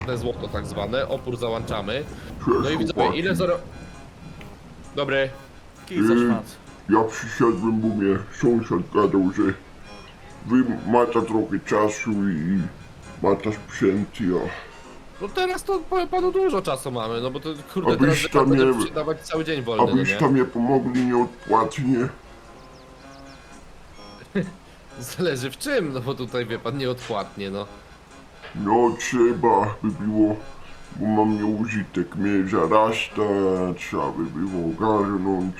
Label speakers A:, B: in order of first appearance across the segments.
A: te złoto tak zwane, opór załączamy. No i widzowie,
B: chłopaki.
A: ile zaro... Dobry.
C: Kij za szmac.
B: Ja przyszedłem, bo mnie sąsiad gadał, że wy macie trochę czasu i macie sprzęt, ja.
A: No teraz to powiem panu dużo czasu mamy, no bo to kurde teraz
B: Abyś tam
A: będzie
B: nie-
A: sprzedawać cały dzień wolny, no
B: Abyście
A: nie?
B: mnie pomogli nieodpłatnie.
A: Zależy w czym, no bo tutaj wie pan nieodpłatnie, no.
B: No trzeba by było, bo mam nieużytek, mnie zarasta, trzeba by było ogarnąć.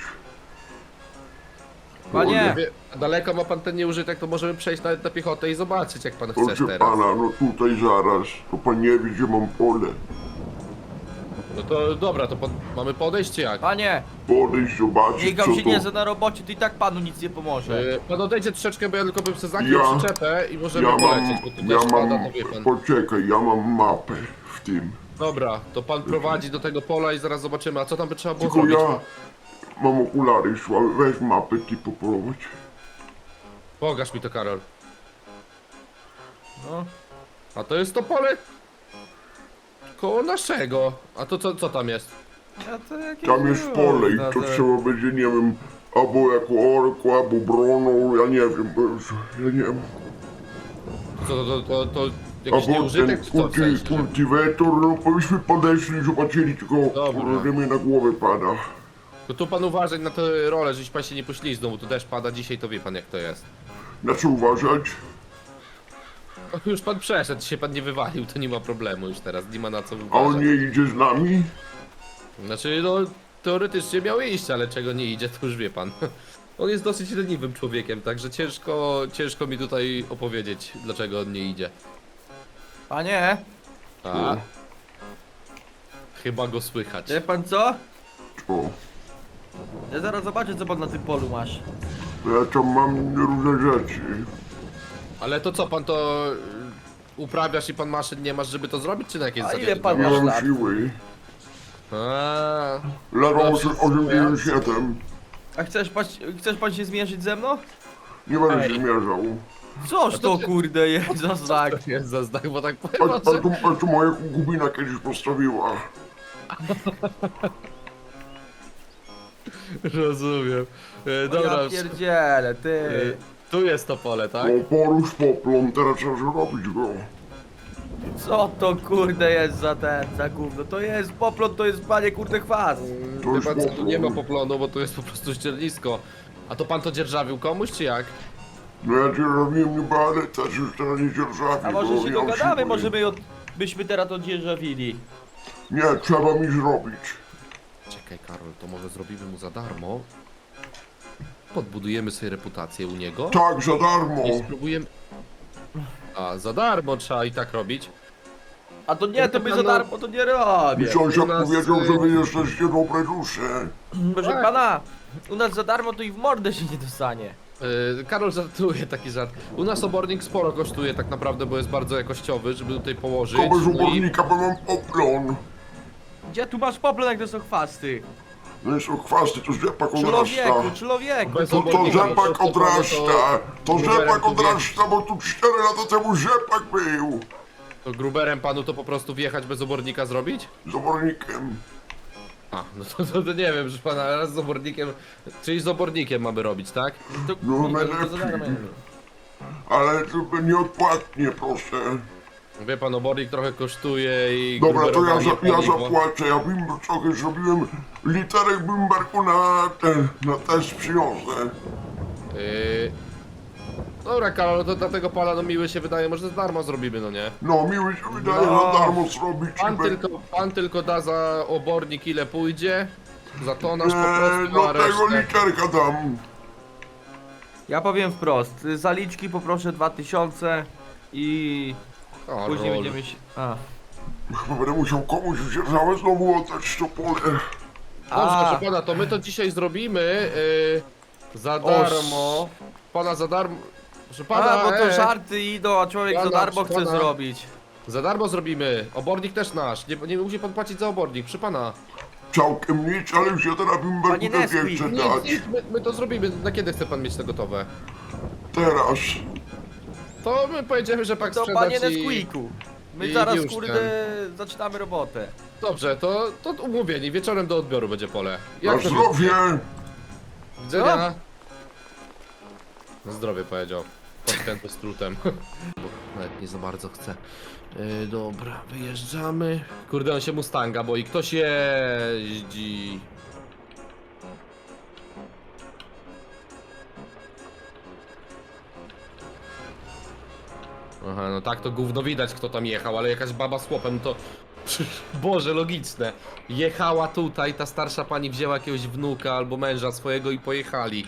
C: Panie!
A: Wie, daleko ma pan ten nieużytek, to możemy przejść nawet na piechotę i zobaczyć jak pan chce
B: Proszę
A: teraz.
B: pana, no tutaj zaraz, to pan nie wie, gdzie mam pole.
A: No to dobra, to mamy podejść czy jak?
C: Panie!
B: Podejść, zobaczyć,
C: Niech
B: co
C: się nie
B: to...
C: za na robocie, to i tak panu nic nie pomoże.
A: Pan odejdzie troszeczkę, bo ja tylko bym sobie zagiął
B: Ja-
A: przyczepę i możemy
B: Ja
A: polecieć, bo tu
B: mam,
A: też pada, to wie pan.
B: poczekaj, ja mam mapę w tym.
A: Dobra, to pan prowadzi do tego pola i zaraz zobaczymy, a co tam by trzeba było
B: Tylko
A: zrobić?
B: ja mam okulary, słabe, weź mapę, ty poprowadź.
A: Pokaż mi to, Karol.
C: No.
A: A to jest to pole koło naszego. A to co tam jest?
C: Ja to jakieś
B: Tam jest pole i to trzeba będzie, nie wiem, albo jako orku, albo broną, ja nie wiem, bo już, ja nie wiem.
A: To jakiś
B: Albo
A: nieużytek
B: ten
A: czy co w sensie?
B: kultywator, no byśmy podeszli i zobaczyli, tylko
A: Dobra.
B: kurde, że mnie na głowę pada.
A: To tu pan uważać na tę rolę, żeś pan się nie pośliznął, bo tu deszcz pada dzisiaj, to wie pan jak to jest.
B: Na co uważać?
A: Już pan przeszedł, się pan nie wywalił, to nie ma problemu już teraz, nie ma na co
B: A on
A: wyważać.
B: nie idzie z nami?
A: Znaczy, no, teoretycznie miał iść, ale czego nie idzie, to już wie pan. On jest dosyć leniwym człowiekiem, także ciężko mi tutaj opowiedzieć, dlaczego on nie idzie.
C: Panie!
A: A? Chyba go słychać.
C: Wie pan co?
B: O,
C: Ja zaraz zobaczę, co pan na tym polu masz.
B: ja tam mam różne rzeczy.
A: Ale to co, pan to uprawiasz i pan maszyn nie masz, żeby to zrobić, czy na jakiej
C: A
A: zasadzie?
C: ile pan
B: Nie
C: masz
B: mam
C: lat?
B: siły.
A: A,
B: Ledwo
A: Dobrze,
B: 87.
C: A chcesz pan się zmierzyć ze mną?
B: Nie będę
A: Ej.
B: się mierzał.
C: Coż to kurde jest za znak?
A: to jest za znak, bo tak powiem,
B: A tu moja konkubina kiedyś postawiła.
A: Rozumiem. Dobra,
C: Ja pierdzielę, ty.
A: tu jest to pole, tak?
B: No porusz poplon, teraz trzeba zrobić go.
C: Co to kurde jest za gówno? To jest poplot, to jest panie kurde chwast.
B: To
A: Wie
B: jest
A: pan co, tu nie ma
B: poplon.
A: poplonu, bo to jest po prostu ściernisko. A to pan to dzierżawił komuś, czy jak?
B: No ja cię robiłem niby, ale też już teraz nie dzierżawię.
C: A może
B: bo
C: się
B: nie mam
C: dogadamy,
B: siły.
C: może byśmy teraz to dzierżawili.
B: Nie, trzeba mi zrobić.
A: Czekaj, Karol, to może zrobimy mu za darmo. Podbudujemy sobie reputację u niego.
B: Tak, za darmo.
A: I spróbujemy... A, za darmo trzeba i tak robić.
C: A to nie, to my za darmo to nie robię.
B: Mi sąsiad
A: u nas,
B: powiedział, że wy jesteście dobre dusze.
C: Proszę
A: Tak.
C: pana, u nas za darmo to i w mordę się nie dostanie.
A: Karol żartuje, taki żart. U nas obornik sporo kosztuje tak naprawdę, bo jest bardzo jakościowy, żeby tutaj położyć.
B: To bez
A: no i
B: ubornika, bo mam poplon.
C: Gdzie tu masz poplon, jak to są chwasty?
B: No jest chwasty, to rzepak
C: Człowieku,
B: odrasta.
C: człowieku.
A: Bez
B: To
A: obornika,
B: rzepak
A: to
B: odrasta. To
A: gruberem
B: rzepak
A: tu
B: odrasta, bo tu 4 lata temu rzepak był.
A: To gruberem panu to po prostu wjechać bez obornika zrobić?
B: Z obornikiem.
A: A, no to nie wiem, że pana raz z obornikiem, czyli z obornikiem mamy robić, tak?
C: To,
B: No,
C: to za
B: najlepiej.
C: darmo.
B: Ale to nieodpłatnie, proszę.
A: Wie pan, obornik trochę kosztuje i
B: Dobra, to ja,
A: gruberowanie
B: ja
A: paliwo.
B: zapłacę. Ja bym trochę zrobiłem literek Bimberku na test przyniosę.
A: Yy... Dobra, Karol, to dla tego pana no miły się wydaje, może za darmo zrobimy, no nie?
B: No, miły się wydaje
C: No.
B: za darmo zrobić.
A: Pan tylko da za obornik ile pójdzie, za tonaż po prostu,
B: No
A: a
B: tego
A: resztę...
B: literka dam.
C: Ja powiem wprost, zaliczki poproszę 2000 i
A: O,
C: później
A: rol.
C: będziemy się... A.
B: Chyba będę musiał komuś wziąć znowu oddać to pole.
A: Dobrze,
C: A.
A: proszę pana, to my to dzisiaj zrobimy za darmo. Pana za darmo. Proszę pana,
C: A, bo to żarty idą, a człowiek za
A: Pana,
C: darmo chce
A: pana.
C: zrobić.
A: za darmo zrobimy. Obornik też nasz. Nie musi pan płacić za obornik, proszę pana.
B: Całkiem nic, ale już ja teraz Bimberku
C: Panie
B: też nie
C: Nesquik,
B: chcę
A: Nic,
B: dać.
A: nic, my to zrobimy. Na kiedy chce pan mieć to gotowe?
B: Teraz.
A: To my pojedziemy, że pak
C: To
A: sprzedać
C: panie
A: i...
C: Nesquiku. My
A: I
C: zaraz,
A: już
C: kurde, zaczynamy robotę.
A: Dobrze, to umówieni, wieczorem do odbioru będzie pole.
B: Na
A: to
B: zdrowie!
A: widzenia? Na zdrowie powiedział. Podkręty z trutem. Bo nawet nie za bardzo chce. Dobra, wyjeżdżamy. Kurde, on się Mustanga boi. Ktoś jeździ. Aha, no tak to gówno widać, kto tam jechał, ale jakaś baba z chłopem to... Boże, logiczne. Jechała tutaj, ta starsza pani wzięła jakiegoś wnuka albo męża swojego i pojechali.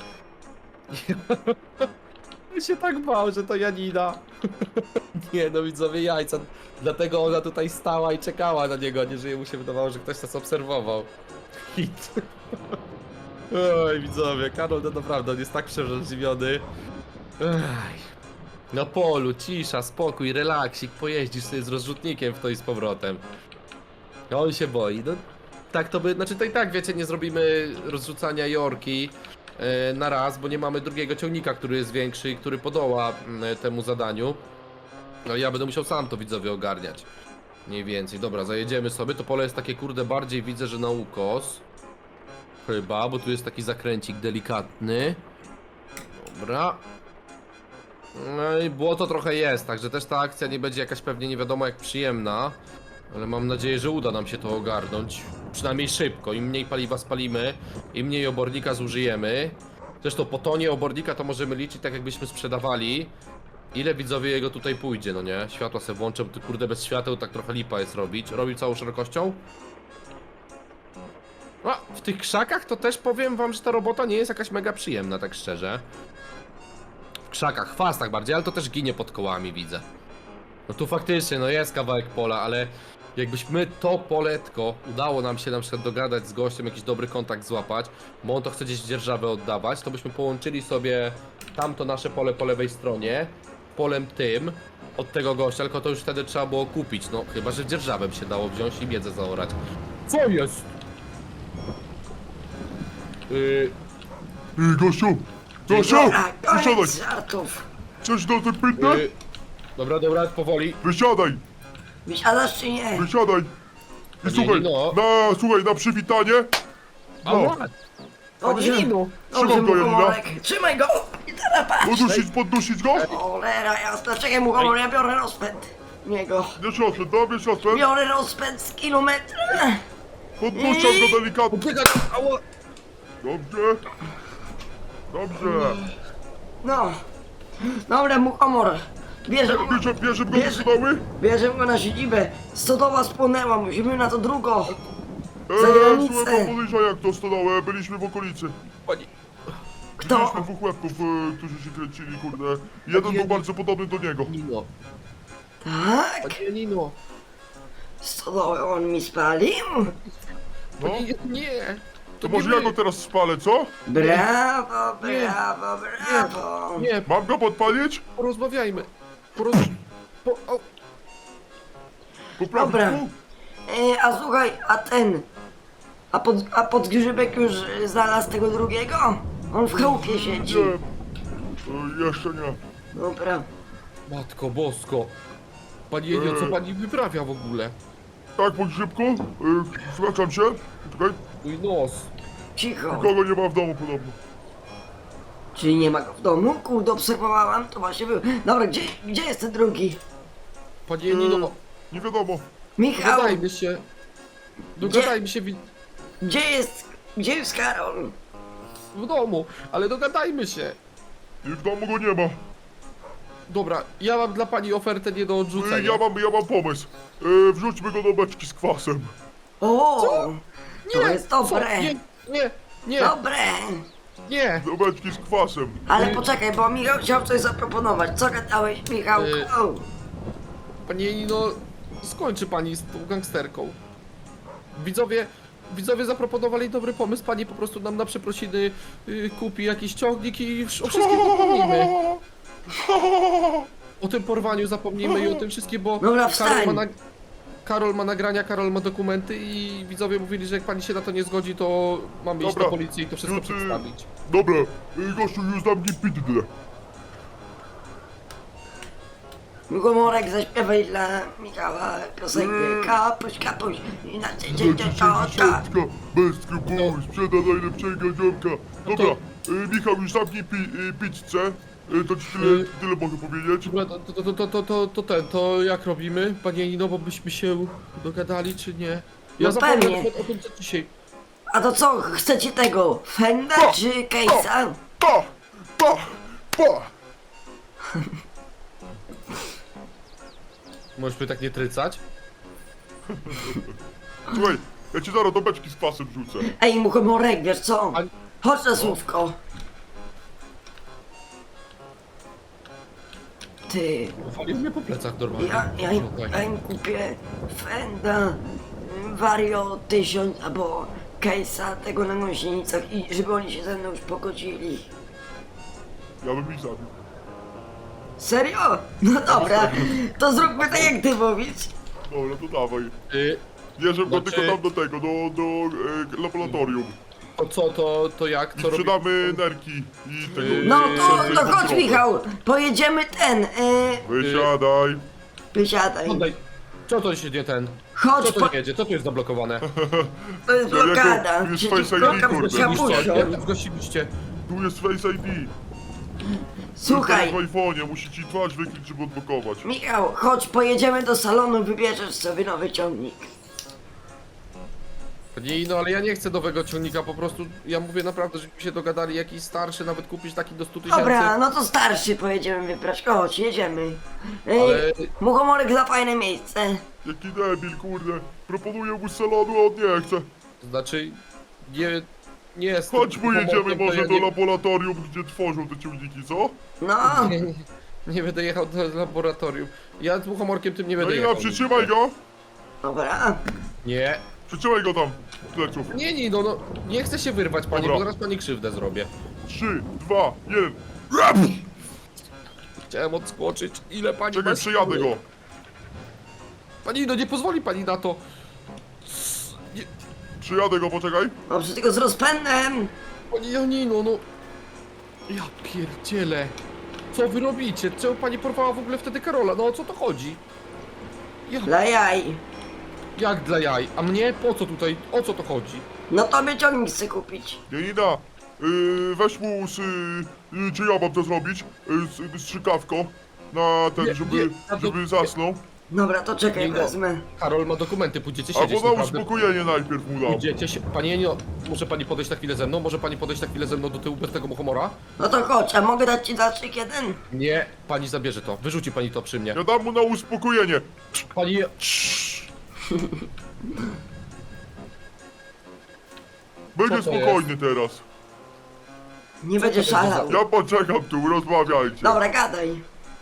A: Ja się tak bał, że to Janina. Nie no, widzowie, jajca. Dlatego ona tutaj stała i czekała na niego, a nie że jemu się wydawało, że ktoś nas obserwował. Hit. Oj, widzowie, Karol to naprawdę, on jest tak przerażliwiony. Ej. Na polu, cisza, spokój, relaksik, pojeździsz sobie z rozrzutnikiem w to i z powrotem. A on się boi, no tak to by, znaczy to i tak wiecie, nie zrobimy rozrzucania Jorki na raz, bo nie mamy drugiego ciągnika, który jest większy i który podoła temu zadaniu. No ja będę musiał sam to widzowie ogarniać. Mniej więcej, dobra, zajedziemy sobie, to pole jest takie kurde bardziej widzę, że na ukos. Chyba, bo tu jest taki zakręcik delikatny. Dobra. No i błoto trochę jest, także też ta akcja nie będzie jakaś pewnie nie wiadomo jak przyjemna. Ale mam nadzieję, że uda nam się to ogarnąć. Przynajmniej szybko. Im mniej paliwa spalimy, im mniej obornika zużyjemy. Zresztą po tonie obornika to możemy liczyć tak jakbyśmy sprzedawali. Ile widzowie jego tutaj pójdzie, no nie? Światła se włączę, bo ty kurde bez świateł tak trochę lipa jest robić. Robi całą szerokością? A, w tych krzakach to też powiem wam, że ta robota nie jest jakaś mega przyjemna, tak szczerze. W krzakach, chwastach bardziej, ale to też ginie pod kołami, widzę. No tu faktycznie, no jest kawałek pola, ale jakbyśmy to poletko udało nam się na przykład dogadać z gościem, jakiś dobry kontakt złapać, bo on to chce gdzieś w dzierżawę oddawać, to byśmy połączyli sobie tamto nasze pole po lewej stronie, polem tym, od tego gościa, tylko to już wtedy trzeba było kupić, no chyba, że dzierżawę by się dało wziąć i miedzę zaorać. Co jest?
B: Gościu! Gościu!
D: Dobra,
B: Wysiadaj!
D: koniec żartów.
B: Coś do tym pytać?
A: Dobra, powoli.
B: Wysiadaj!
D: Wysiadasz czy nie?
B: Wysiadaj! I słuchaj,
A: no.
B: słuchaj, na przywitanie! No,
D: Dobrze,
A: Janino,
D: dobrze,
B: trzymam go,
D: muchomorek. Trzymaj go! I teraz patrz!
B: poddusić go?
D: Cholera jasna, czekaj muchomor, ja biorę rozpęd. Niego.
B: Nie siostrę, dobra, siostrę.
D: Biorę rozpęd z kilometra.
B: Podduszam go delikatnie.
A: Odbiegać, ała.
B: Dobrze. Dobrze.
D: No. Dobra, muchomor. Bierzemy
B: Bierze go do stodoły?
D: bierzemy go na siedzibę. Stodoła spłonęła, musimy na to drugą. Za
B: Słuchaj,
D: granicę.
B: pan podejrza jak to stodołę, byliśmy w okolicy.
A: Pani,
D: Kto?
B: Mieliśmy dwóch łebków, którzy się kręcili, kurde. Jeden był bardzo podobny do niego.
A: Nino,
D: Tak?
A: Pani Janino.
D: Stodołę on mi spalił?
B: No,
A: Nie,
B: to może ja go teraz spalę, co?
D: Brawo, brawo, brawo.
A: Nie,
B: Mam go podpalić?
A: porozmawiajmy. O,
B: Poprawić
D: Dobra.
B: tu?
D: A słuchaj, a ten... A podgrzybek już znalazł tego drugiego? On w chałupie siedzi.
B: Nie. Jeszcze nie.
D: Dobra.
A: Matko bosko. Pani Janino, co pani wyprawia w ogóle?
B: Tak, podgrzybku? Zwracam się. Czekaj.
A: Mój nos.
D: Cicho.
B: Nikogo nie ma w domu podobno.
D: Czyli nie ma go w domu? Kurde, obserwowałam, to właśnie był. Dobra, gdzie jest ten drugi?
A: Pani Janino,
B: Nie wiadomo.
D: Michał,
A: dogadajmy się. Dogadajmy się
D: gdzie jest Karol?
A: w domu, ale dogadajmy się.
B: I w domu go nie ma.
A: Dobra, ja mam dla pani ofertę nie do odrzucenia.
B: Ja mam pomysł. Wrzućmy go do beczki z kwasem.
D: O,
A: Nie,
D: to jest dobre.
A: Nie,
D: Dobre.
A: nie.
B: Do beczki z kwasem.
D: Ale poczekaj, bo Michał chciał coś zaproponować. Co gadałeś, Michałku?
A: Pani Janino, skończy pani z tą gangsterką. Widzowie zaproponowali dobry pomysł, pani po prostu nam na przeprosiny kupi jakiś ciągnik i o wszystkim zapomnimy. O tym porwaniu zapomnijmy i o tym wszystkim, bo
D: Dobra, wstań.
A: Karol ma nagrania, Karol ma dokumenty i widzowie mówili, że jak pani się na to nie zgodzi, to mamy iść
B: Dobra.
A: do policji i to wszystko
B: Już,
A: przedstawić.
B: Dobra, gościu, już dam nie piddle.
D: Mugomorek, zaśpiewaj dla Michała piosenkę. Kapuś, kapuś. I na
B: Dziesiątka, bez skrupułów, sprzeda najlepszego ziomka. Dobra, Michał, już zamknij pizzę. To ci tyle mogę powiedzieć.
A: Dobra, to jak robimy, panie Nino, bo byśmy się dogadali, czy nie?
D: No
A: zapomniałem
D: pewnie.
A: o tym, co dzisiaj.
D: A to co, chcecie tego? Fenda czy Case'a?
B: Pa! Pa! Pa!
A: Możesz mnie tak nie trycać?
B: Słuchaj, ja ci zaraz do beczki z kwasem wrzucę.
D: Ej, Mugomorek, wiesz co?
A: A-
D: Chodź na słówko. Ty,
A: Walił mnie po plecach normalnie.
D: ja im kupię Fenda, Vario 1000 albo Case'a tego na gąsienicach i żeby oni się ze mną już pogodzili.
B: Ja bym ich zabił.
D: Serio? No dobra, to zróbmy tak jak ty mówisz.
B: Dobra, to dawaj.
A: Ty,
B: Bierzemy go
A: Znaczy-
B: tylko tam do tego, do laboratorium.
A: to co, to jak,
B: I
A: co robimy?
B: sprzedamy nerki i tego...
D: No
B: i
D: to chodź
B: kontrolę.
D: Michał, pojedziemy
B: Wysiadaj.
D: wysiadaj.
A: Oddaj. Co to się nie ten?
D: Chodź,
A: Co to nie jedzie? Co tu jest zablokowane?
D: to jest blokada.
B: Tu jest
D: Przecież
B: Face ID,
D: blokada
B: kurde.
D: kapuścią.
A: Jak to zgłosiliście?
B: Tu jest Face ID.
D: Słuchaj,
B: W iPhone'ie, musi ci twarz wykryć, żeby odblokować.
D: Michał, chodź, pojedziemy do salonu, wybierzesz sobie nowy ciągnik.
A: Nie, no ale ja nie chcę nowego ciągnika, po prostu ja mówię naprawdę, żebyśmy się dogadali, jakiś starszy, nawet kupić taki do 100 000.
D: Dobra, no to starszy pojedziemy wybrać. Chodź, jedziemy.
A: Ale-
D: Muchomorek za fajne miejsce.
B: Jaki debil, kurde. Proponuję mu z salonu, a on nie chce.
A: Znaczy, nie jest...
B: Chodź, pojedziemy może
A: ja
B: do laboratorium, gdzie tworzą te ciągniki, co?
D: No,
A: nie będę jechał do laboratorium. Ja z muchomorkiem tym nie
B: No
A: będę
B: i
A: jechał.
B: przytrzymaj go.
D: dobra.
A: Nie.
B: Przytrzymaj go tam, z pleców.
A: Nie, no, nie chcę się wyrwać, panie,
B: Dobra.
A: bo zaraz pani krzywdę zrobię.
B: 3, 2, 1.
A: Chciałem odskoczyć. Ile pani
B: Czekaj,
A: ma
B: przejadę
A: siły?
B: go.
A: Pani, no nie pozwoli pani na to. Nie,
B: Przejadę go, poczekaj.
D: Dobrze, tylko z rozpędem.
A: pani Janino, no. Ja pierdzielę. Co wy robicie? Czemu pani porwała w ogóle wtedy Karola? No o co to chodzi? Ja,
D: Dla jaj.
A: jak dla jaj? A mnie? Po co tutaj? O co to chodzi?
D: No to by ciągnik chcę kupić.
B: Janina, weź mu czy ja mam to zrobić? Strzykawko. Na ten,
A: Nie,
B: żeby,
A: nie, a to-
B: żeby zasnął.
D: Dobra, to czekaj,
A: Janino,
D: wezmę.
A: Karol ma dokumenty, pójdziecie siedzieć
B: Albo na
A: naprawdę.
B: uspokojenie najpierw mu dam.
A: Pójdziecie się... Panie Janino, może pani podejść na chwilę ze mną? Może pani podejść na chwilę ze mną do tyłu bez tego muchomora?
D: No to chodź, a mogę dać ci zastrzyk jeden?
A: Nie, pani zabierze to. Wyrzuci pani to przy mnie.
B: Ja dam mu na uspokojenie.
A: Pani...
B: Będzie
A: Co to
B: spokojny teraz.
D: Nie
A: Co
D: będzie
A: to jest za-
D: szalał.
B: Ja poczekam tu, rozmawiajcie.
D: Dobra, gadaj.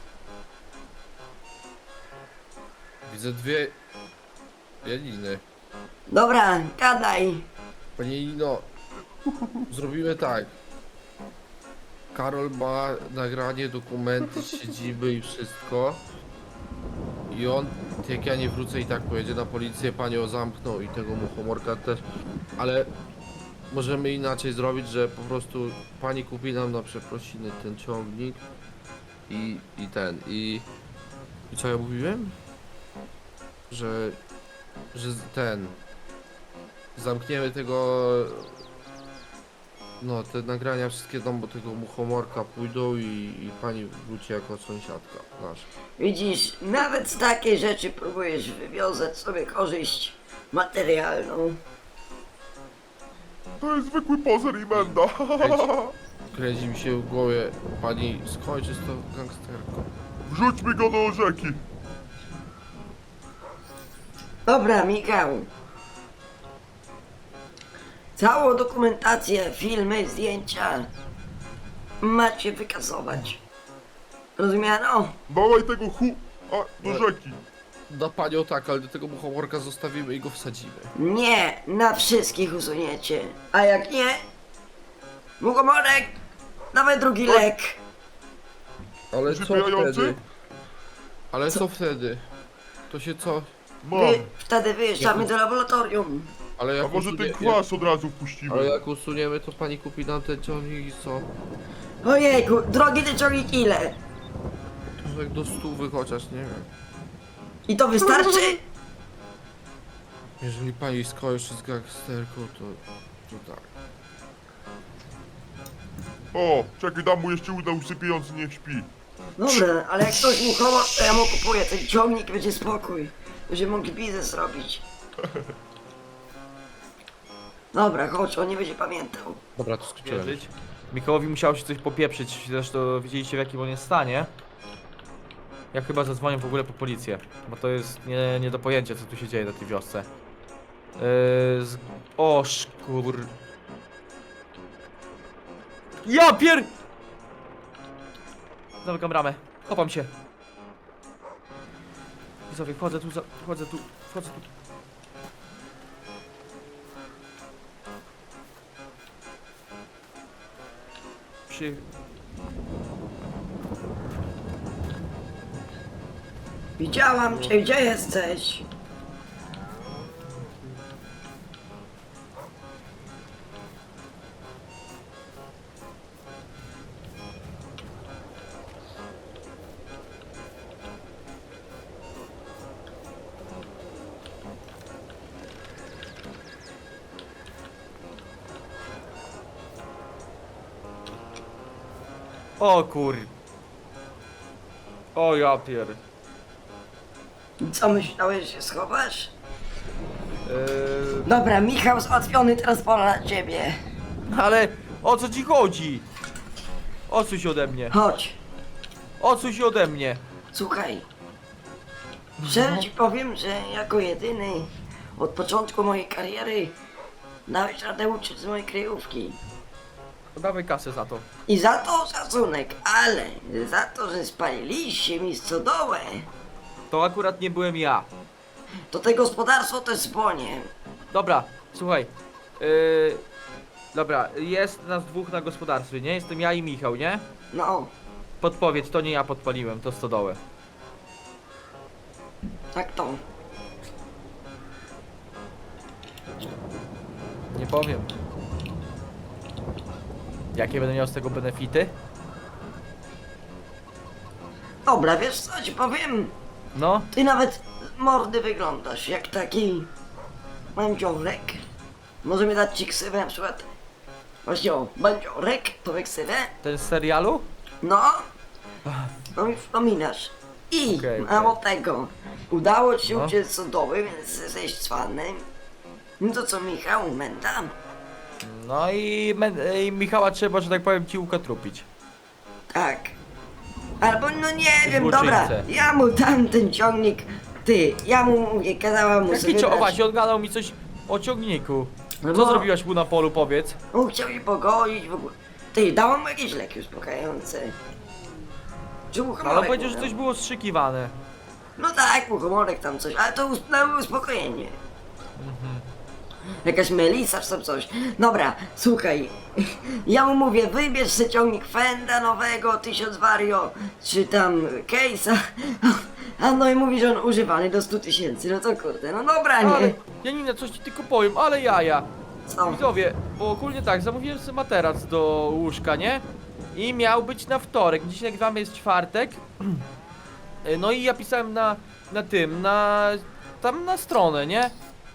A: Widzę dwie... Janiny.
D: Dobra, gadaj.
A: Panie Janino, zrobimy tak. Karol ma nagranie, dokumenty, siedziby i wszystko. I on, jak ja nie wrócę, i tak pojedzie na policję, panią zamknął i tego muchomorka też. Ale możemy inaczej zrobić, że po prostu pani kupi nam na przeprosiny ten ciągnik i co ja mówiłem? Że ten zamkniemy tego, no te nagrania wszystkie do tego muchomorka pójdą i pani wróci jako sąsiadka nasza.
D: Widzisz, nawet z takiej rzeczy próbujesz wywiązać sobie korzyść materialną.
B: To jest zwykły pozer i menda.
A: Kręci mi się w głowie, pani skończy z tą gangsterką.
B: Wrzućmy go do rzeki.
D: Dobra, Michał. Całą dokumentację, filmy, zdjęcia macie wykasować. Rozumiano?
B: Dawaj tego do rzeki.
A: Da panią tak, ale do tego muchomorka zostawimy i go wsadzimy.
D: Nie, na wszystkich usuniecie. A jak nie, Muchomorek, dawaj drugi lek.
A: Ale co
B: Przypijający?
A: wtedy? Ale co wtedy? To się co?
B: Mam.
D: Wtedy wyjeżdżamy do laboratorium.
A: Ale
B: A
A: jak
B: może ten
A: usunie-
B: kwas od razu
A: Ale
B: wpuścimy?
A: jak usuniemy, to pani kupi nam ten ciągnik i co?
D: Ojejku, drogi ty ciągnik ile?
A: Tak do 100 chociaż, nie wiem.
D: I to wystarczy?
A: Jeżeli pani skończy z gangsterką, to tak.
B: O, czekaj, dam mu jeszcze uda usypiający, niech śpi.
D: Dobra, ale jak ktoś mu chowa, to ja mu kupuję ten ciągnik i będzie spokój. Będziemy mogli biznes robić. Dobra, chodź, on nie będzie pamiętał.
A: Dobra, to skończyłem.
C: Wierzyć. Michałowi musiało się coś popieprzyć, zresztą widzieliście w jakim on jest stanie. Ja chyba zadzwonię w ogóle po policję, bo to jest nie do pojęcia, co tu się dzieje na tej wiosce. O szkur... Ja pier... Zamykam ramę, chopam się. Widzowie, wchodzę tu, wchodzę tu.
D: Widziałam cię, gdzie jesteś?
C: O kur... O ja pier...
D: Co myślałeś, że się schowasz? Dobra, Michał załatwiony, teraz pora na ciebie.
C: Ale o co ci chodzi? Odsuń się ode mnie.
D: Chodź,
C: Odsuń się ode mnie.
D: słuchaj. Szczerze ci powiem, że jako jedyny od początku mojej kariery dałeś radę uciec z mojej kryjówki.
C: Dawaj kasę za to.
D: I za to szacunek, ale za to, że spaliliście mi stodołę,
C: To akurat nie byłem ja.
D: to te gospodarstwo też spłonie.
C: Dobra, słuchaj. Dobra, jest nas dwóch na gospodarstwie, nie? Jestem ja i Michał, nie?
D: No,
C: Podpowiedź, to nie ja podpaliłem, to stodołę.
D: tak to.
C: Nie powiem. Jakie będę miał z tego benefity?
D: Dobra, wiesz co ci powiem?
C: No,
D: Ty nawet z mordy wyglądasz jak taki bandziorek. Możemy dać ci ksywę na przykład. Właśnie o, bandziorek, to ksywę.
C: ten z serialu?
D: No, no mi wspominasz. I
C: Okej,
D: mało tego, udało ci się
C: No.
D: uciec z sodoły, więc jesteś cwany. No to co, Michał, menda?
C: No i Michała trzeba, że tak powiem, ciłka trupić.
D: Tak. Albo no nie wiem, dobra,
C: Złoczyńcę.
D: ja mu dam ten ciągnik. Ty, ja mu mówię, kazałam mu sobie
C: Jaki
D: dać.
C: właśnie on gadał mi coś o ciągniku.
D: No
C: Co
D: bo-
C: zrobiłaś mu na polu, powiedz?
D: On chciał się pogodzić w ogóle. Ty, dałam mu jakieś leki uspokajające. Czy
C: No, ale powiedział, że coś było strzykiwane.
D: No tak, muchomorek tam coś, ale to na uspokojenie. Jakaś melisa czy tam coś. Dobra, słuchaj. Ja mu mówię, wybierz sobie ciągnik Fenda nowego, 1000 Vario, czy tam Case'a. A no i mówi, że on używany do 100 000. No to kurde, no dobra,
C: Ale,
D: nie?
C: Janina, coś ci tylko powiem, ale jaja.
D: Co?
C: Widzowie, bo ogólnie tak, zamówiłem sobie materac do łóżka, nie? I miał być na wtorek, dzisiaj nagrywamy, jest czwartek. No i ja pisałem tam na stronę, nie?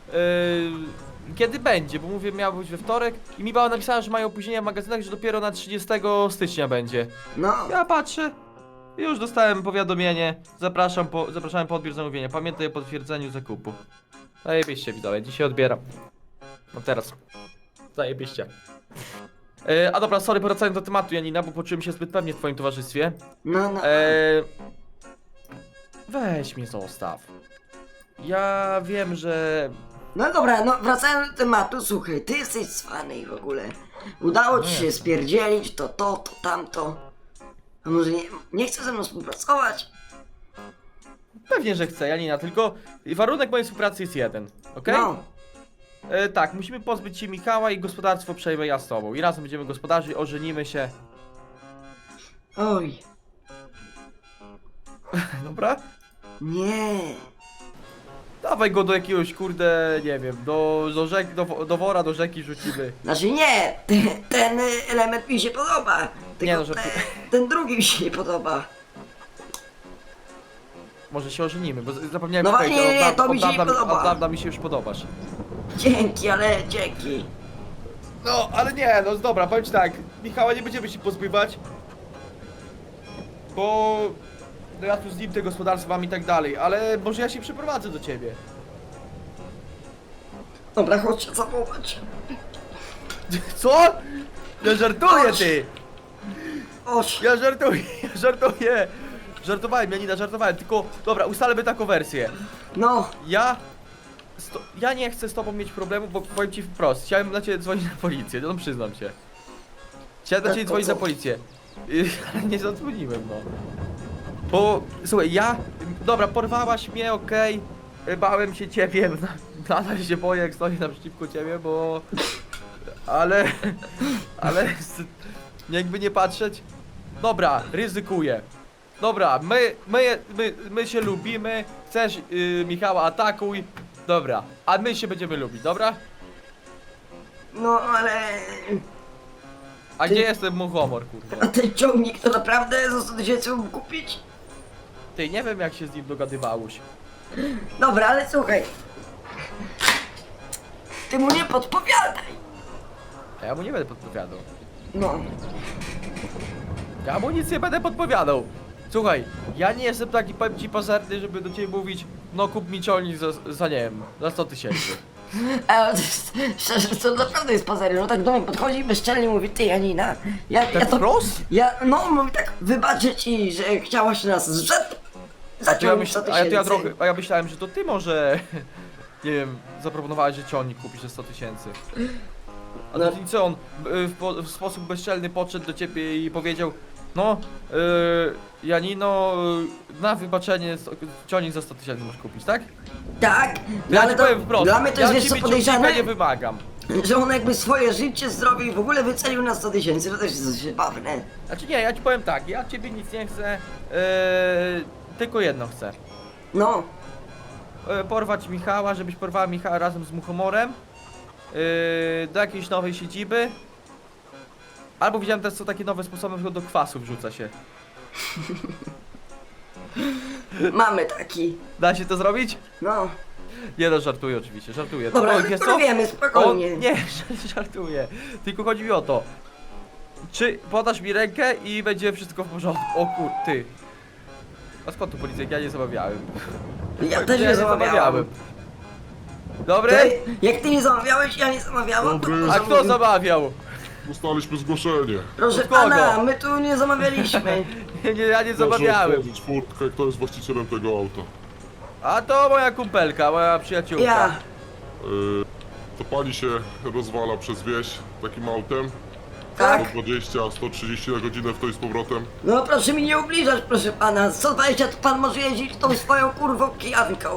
C: Kiedy będzie, bo mówię, miał być we wtorek i mi była napisana, że mają opóźnienia w magazynach, że dopiero na 30 stycznia będzie.
D: No,
C: Ja patrzę, już dostałem powiadomienie, zapraszałem po odbiór zamówienia, pamiętaj o potwierdzeniu zakupu. Zajebiście, widzowie, dzisiaj odbieram. No teraz. Zajebiście. A dobra, sorry, wracając do tematu, Janina, bo poczułem się zbyt pewnie w twoim towarzystwie.
D: no.
C: Weź mnie zostaw. Ja wiem, że...
D: No dobra, no wracając do tematu, słuchaj, ty jesteś cwany i w ogóle. Udało ci się spierdzielić to tamto. A może nie chcesz ze mną współpracować?
C: Pewnie, że chcę, Janina, tylko warunek mojej współpracy jest jeden, okej?
D: No,
C: Tak, musimy pozbyć się Michała i gospodarstwo przejmę ja z tobą. I razem będziemy gospodarzyć, ożenimy się.
D: oj,
C: Dobra?
D: nie.
C: Dawaj go do jakiegoś, kurde, nie wiem, do wora, do rzeki rzucimy.
D: Znaczy nie, ten element mi się podoba. Tylko
C: Nie, no, że-
D: ten drugi mi się nie podoba.
C: może się ożenimy, bo zapomniałem
D: No
C: powiedzieć,
D: nie,
C: od
D: to mi się nie podoba.
C: Od dawna mi się już podobasz.
D: Dzięki, ale dzięki.
C: No, ale nie, no dobra, powiem ci tak, Michała nie będziemy się pozbywać, bo no ja tu z nim te gospodarstwa mam i tak dalej, ale może ja się przeprowadzę do ciebie.
D: Dobra, chodź się zawołać.
C: Co? Ja żartuję, ty!
D: Oś.
C: Ja żartuję, ja żartuję! Żartowałem, Janina, żartowałem, tylko dobra, ustalmy taką wersję.
D: No,
C: Ja nie chcę z tobą mieć problemu, bo powiem ci wprost, chciałem na ciebie dzwonić na policję, no przyznam się. Chciałem na
D: Tak,
C: ciebie
D: to
C: dzwonić
D: co?
C: na policję, ale nie zadzwoniłem, no. Bo, słuchaj, dobra, porwałaś mnie, okej, bałem się ciebie, nadal się boję, jak stoję naprzeciwko ciebie, bo... ale jakby nie patrzeć, dobra, ryzykuję. Dobra, my się lubimy, chcesz Michała atakuj, dobra, a my się będziemy lubić, dobra?
D: no ale...
C: A gdzie jest ten muchomor,
D: A
C: kurwa?
D: ten ciągnik to naprawdę za 100 tysięcy mógł kupić?
C: Ty, nie wiem jak się z nim dogadywałeś.
D: Dobra, ale słuchaj. Ty mu nie podpowiadaj.
C: A ja mu nie będę podpowiadał.
D: No,
C: Ja mu nic nie będę podpowiadał. Słuchaj, ja nie jestem taki, powiem ci, pazerny, żeby do ciebie mówić, no kup mi ciągnik za nie wiem, za 100 tysięcy.
D: a szczerze, to naprawdę jest pozery. No tak do mnie podchodzi i bezczelnie mówi, ty Janina,
C: Tak wprost?
D: no mówi tak, wybaczę ci, że chciałaś nas
C: To ja
D: zaciągnąć 100 tysięcy.
C: a ja myślałem, że to ty może, nie wiem, zaproponowałeś, że ciągnik kupisz za 100 tysięcy. A
D: No.
C: to co on w sposób bezczelny podszedł do ciebie i powiedział, no, Janino, na wybaczenie ciągnik za 100 tysięcy możesz kupić, tak?
D: Tak,
C: Ja
D: ale
C: ci
D: to
C: powiem wprost,
D: dla mnie to jest
C: ja
D: wiesz co
C: ciebie
D: podejrzane,
C: ciągnika nie wymagam.
D: że on jakby swoje życie, zdrowie i w ogóle wycenił na 100 tysięcy, to też jest zabawne.
C: Znaczy nie, ja ci powiem tak, ja ciebie nic nie chcę, tylko jedno chcę.
D: No,
C: Porwać Michała, żebyś porwała Michała razem z Muchomorem do jakiejś nowej siedziby. Albo widziałem też, co takie nowe sposoby, na przykład do kwasu wrzuca się.
D: mamy taki,
C: Da się to zrobić?
D: no.
C: Nie no, żartuję oczywiście, żartuję.
D: Dobra,
C: O, wiesz co?
D: porwiemy, spokojnie.
C: Nie, żartuję. Tylko chodzi mi o to. Czy podasz mi rękę i będzie wszystko w porządku? O kur... ty. A skąd tu policja? Ja nie zamawiałem.
D: Ja też nie zamawiałem.
C: Dobry?
D: Ty, jak ty nie zamawiałeś, ja nie zamawiałam, to
B: Dobry.
C: A kto zamawiał?
B: Dostaliśmy zgłoszenie.
D: proszę
C: Od kogo?
D: pana, my tu nie zamawialiśmy.
C: Ja nie
B: Proszę
C: zamawiałem.
B: otworzyć furtkę, kto jest właścicielem tego auta.
C: A to moja kumpelka, moja przyjaciółka.
D: Ja.
B: To pani się rozwala przez wieś takim autem.
D: Tak?
B: 120, 130 na godzinę w to i z powrotem.
D: No proszę mi nie ubliżać, proszę pana. 120 to pan może jeździć tą swoją kurwą kijanką.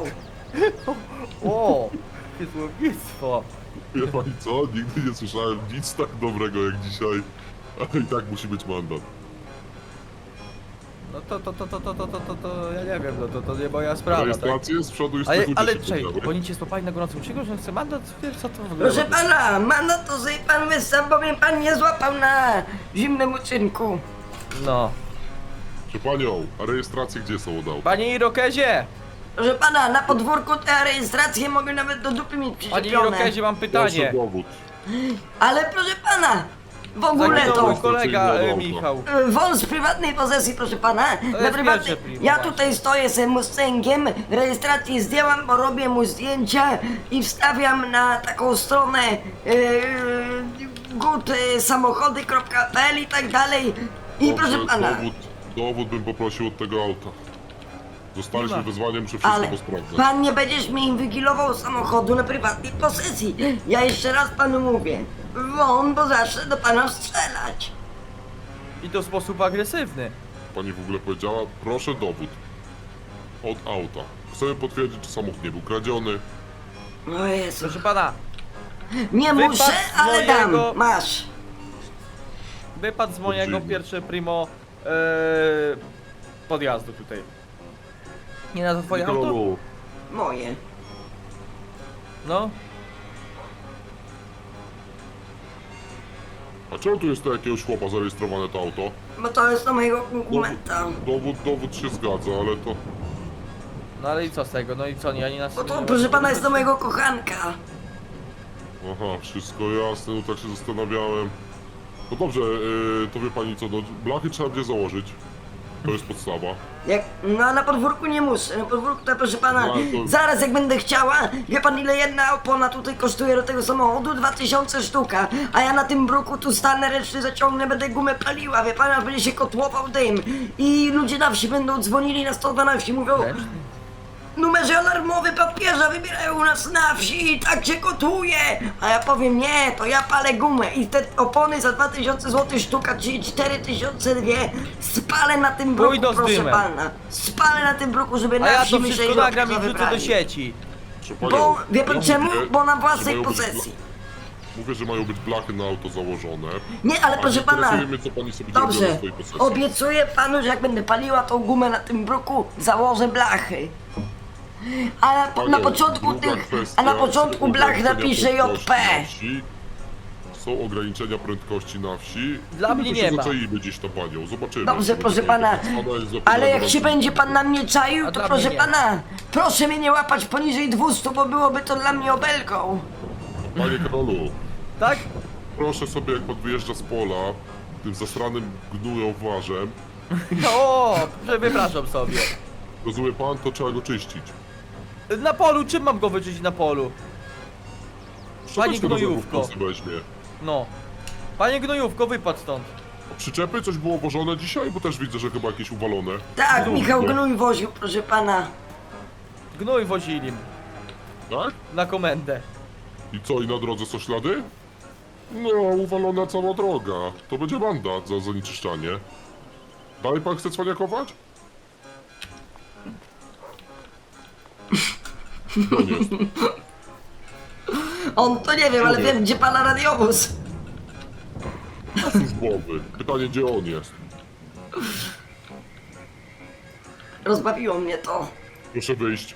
C: O, jakie słownictwo.
B: Wie pani co? Nigdy nie słyszałem nic tak dobrego jak dzisiaj. Ale i tak musi być mandat.
C: No to ja nie wiem, no to nie moja sprawa, tak?
B: Rejestrację z przodu i z
C: Ale,
B: tyłu
C: ale
B: dzieci
C: czekaj,
B: podamy.
C: bo oni cię spopali na gorącym uczynku, że chce mandat? Wiesz co to w ogóle?
D: Proszę pana, mandat to sobie pan wyssał, bo mnie pan nie złapał na zimnym uczynku.
C: No.
B: Proszę panią, a rejestracje gdzie są od auta?
C: Panie Irokezie!
D: Proszę pana, na podwórku te rejestracje mogę nawet do dupy mieć
C: Panie
D: przyczepione.
C: Irokezie, mam
B: Proszę
C: pytanie.
B: dowód.
D: Ale proszę pana, w ogóle
C: Zaginął
D: to...
C: mój kolega
B: Dobra.
C: Michał.
D: Wąs z prywatnej posesji, proszę pana.
C: jest pierwsze primo,
D: Ja
C: właśnie.
D: tutaj stoję z Mustangiem, rejestrację zdjęłam, bo robię mu zdjęcia i wstawiam na taką stronę good-samochody.pl i tak dalej. I
B: Dobrze,
D: proszę pana,
B: dowód bym poprosił od tego auta. Zostaliśmy
C: Nie ma.
B: wezwaniem, muszę wszystko
D: ale
B: posprawdzać.
D: pan nie będziesz mi inwigilował samochodu na prywatnej posesji. Ja jeszcze raz panu mówię, won, bo zacznę do pana strzelać.
C: I to w sposób agresywny.
B: Pani w ogóle powiedziała, proszę dowód. Od auta. Chcemy potwierdzić, czy samochód nie był kradziony.
D: O Jezu,
C: Proszę pana,
D: nie
C: wypadł
D: muszę,
C: z
D: ale dam,
C: mojego-
D: masz.
C: wypadł z mojego
B: Dziwne.
C: pierwsze primo podjazdu tutaj. Nie na to twoje auto?
B: Nikololu,
D: Moje.
C: No.
B: a czemu tu jest to jakiegoś chłopa zarejestrowane to auto?
D: Bo to jest do mojego konkurenta.
B: Dowód się zgadza, ale to...
C: No ale i co z tego? No i co, Janina...
D: Bo to, proszę pana, jest do mojego kochanka.
B: Aha, wszystko jasne, no tak się zastanawiałem. No dobrze, to wie pani co, no blachy trzeba będzie założyć. To jest podstawa.
D: No a na podwórku nie muszę, na podwórku to proszę pana,
B: No, ale to-
D: zaraz jak będę chciała, wie pan ile jedna opona tutaj kosztuje do tego samochodu? 2000 sztuka, a ja na tym bruku tu stanę, ręczny zaciągnę, będę gumę paliła, wie pan, aż będzie się kotłował dym i ludzie na wsi będą dzwonili na 112, mówią numerze alarmowy papieża wybierają u nas na wsi i tak się kotuje, a ja powiem nie, to ja palę gumę i te opony za 2000 zł sztuka, czyli 4002 spalę na tym bruku,
C: Pójdą z
D: proszę
C: dymem.
D: pana, spalę na tym bruku, żeby
C: A
D: na
C: ja
D: wsi
C: to
D: myśleli,
C: wszystko
D: że
C: nagram i
D: obca
C: wrzucę do
D: wybrali.
C: sieci.
B: Proszę
D: Bo,
B: panią,
D: wie pan
B: ja
D: czemu?
B: mówię,
D: Bo na
B: że
D: własnej
B: mają być
D: posesji.
B: Mówię, że mają być blachy na auto założone.
D: Nie, ale
B: A
D: proszę pana,
B: interesuje mnie, co pani sobie zrobiła na
D: dobrze,
B: swojej posesji.
D: obiecuję panu, że jak będę paliła tą gumę na tym bruku, założę blachy. A na
B: Panią,
D: początku
B: druga
D: tych,
B: kwestia,
D: a na początku
B: są
D: blach
B: ograniczenia
D: napiszę JP.
B: prędkości na wsi. Są ograniczenia prędkości na wsi.
C: Dla
B: No
C: mnie
B: to
C: nie
B: się
C: ma.
B: Zaczaimy gdzieś na panią, zobaczymy.
D: Dobrze, proszę pana, ale jak się będzie pan na mnie czaił,
C: A
D: to
C: dla
D: proszę
C: mnie nie.
D: pana, proszę mnie nie łapać poniżej 200, bo byłoby to dla mnie obelgą.
B: Panie Karolu,
C: Tak?
B: proszę sobie, jak pan wyjeżdża z pola, tym zasranym gnujowarzem,
C: O, wypraszam sobie.
B: rozumie pan, to trzeba go czyścić.
C: Na polu, czym mam go wyczyścić na polu? Panie
B: Szczoteczkę do zębów
C: gnojówko.
B: pan sobie weźmie.
C: No. Panie gnojówko, wypadł stąd.
B: A przyczepy coś było wożone dzisiaj? Bo też widzę, że chyba jakieś uwalone.
D: Tak,
B: No,
D: Michał
B: no.
D: Gnój woził, proszę pana.
C: Gnój wozili
B: Tak?
C: na komendę.
B: I co, i na drodze są ślady? No, uwalona cała droga. To będzie mandat za zanieczyszczanie. Dalej pan chce cwaniakować? No nie jest.
D: On to nie wiem, ale
B: Mówię.
D: wiem gdzie pana radiowóz.
B: Z głowy. Pytanie, gdzie on jest?
D: Rozbawiło mnie to.
B: Proszę wyjść.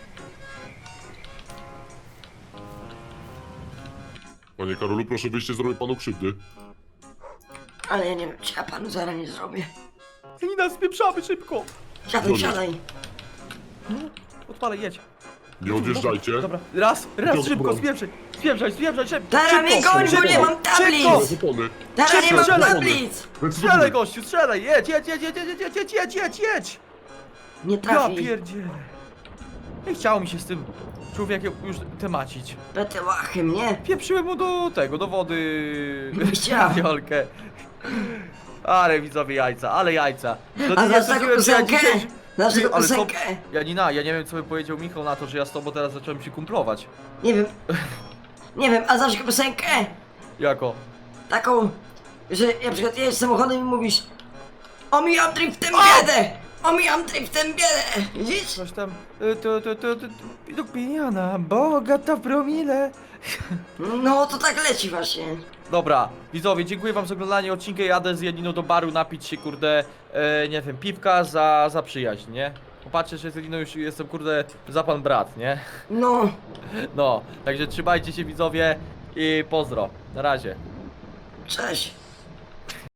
B: Panie Karolu, proszę wyjść, nie zrobię panu krzywdy.
D: Ale ja nie wiem, czy ja panu zaraz nie zrobię.
C: Janina, spieprzamy szybko.
D: Siadaj,
B: Dobra.
D: siadaj.
C: Odpalaj, jedź.
B: Nie odjeżdżajcie.
C: Dobra, raz,
B: Dobra.
C: szybko, spieprzaj, szybko.
D: Teraz mnie goń, bo nie mam
B: Szybko.
D: tablic.
B: Opony.
D: Teraz nie mam
C: Strzelaj.
D: tablic.
C: Strzelaj, gościu, strzelaj, jedź.
D: Nie
C: Ja
D: trafi.
C: pierdzielę. Nie chciało mi się z tym człowiekiem już temacić.
D: Te łachy mnie.
C: Pieprzyłem mu do wody
D: chciałem.
C: Jolkę. Ale widzowie jajca, ale jajca. No,
D: A
C: nie
D: znasz taką
C: sądziłem, że ja
D: piosenkę?
C: dzisiaj-
D: Znasz
C: Ty,
D: taką
C: ale co-
D: piosenkę?
C: Janina, ja nie wiem co by powiedział Michał na to, że ja z tobą teraz zacząłem się kumplować.
D: Nie wiem. Nie wiem, a znasz taką piosenkę?
C: Jako?
D: Taką, że na przykład jedziesz samochodem i mówisz omijam driftem biedę! Omijam driftem biedę! Widzisz?
C: Coś tam... Widok pieniana, bogata w promile.
D: No to tak leci właśnie.
C: Dobra, widzowie, dziękuję wam za oglądanie odcinka. Jadę z Janiną do baru napić się, kurde, nie wiem, piwka za przyjaźń, nie? Popatrzcie, że z Janiną już jestem, kurde, za pan brat, nie?
D: No.
C: No, także trzymajcie się, widzowie, i pozdro. Na razie.
D: Cześć.